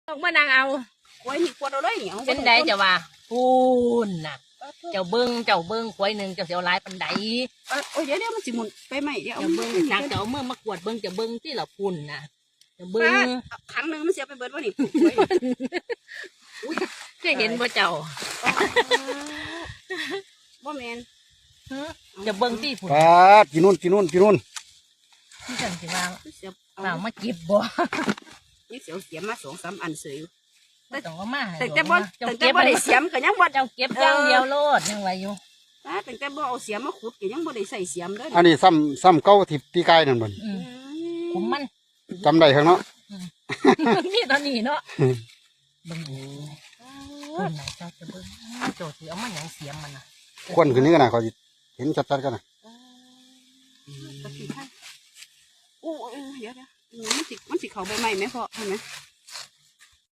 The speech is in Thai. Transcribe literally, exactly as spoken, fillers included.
ต้องมานางเอากล้วยนี่กวดเอาเลยเนี่ยเป็นไดจะว่าพูนน่ะเจ้าเบิ้งเจ้าเบิ้งควายหนึ่งเจ้าเสียวหลายปันใดโอ้ยเดี๋ยวเดี๋ยวมันสิหมุนไปไหมเดี๋ยวเจ้าเบิ้งจากเจ้าเมื่อมากวดเบิ้งเจ้าเบิ้งที่เราพูนน่ะเจ้าเบิ้งครั้งหนึ่งมันเสียไปเบิดว่านี่เคยเห็นบ่เจ้าบ่แมนเจ้าเบิ้งที่พูนปาดกินนู่นกินนู่นกินนู่นที่ฉันสิว่าเสียว่ามาเก็บบ่นี่เสียวเสียมาสองสามอันเสียไม่ต้องเอามาให้แต่แต่บ่เจ้าแต่แต่เก็บบ่ได้เสียมก็ยังบ่เจ้าเก็บอย่างเดียวโลดยังไงอยู่แต่แต่บ่เอาเสียมมาขุดก็ยังบ่ได้ใส่เสียมเด้ออันนี้ซ้ำซ้ำเก้าที่ปีกายนั่นบ่นอืมคุมมันจำได้ข้างเนาะนี่ตอนนี้เนาะเบิ้งดูคนไหนเจ้าจะเบิ้งโจทย์สิเอามาหยังเสียมมันน่ะควนขึ้นนี้กันนะเขาสิเห็นชัดๆกันนะโอ้ยเดี๋ยวเดี๋ยวมันสิมันสิเข้าใบไม้ไหมพ่อเห็นไหม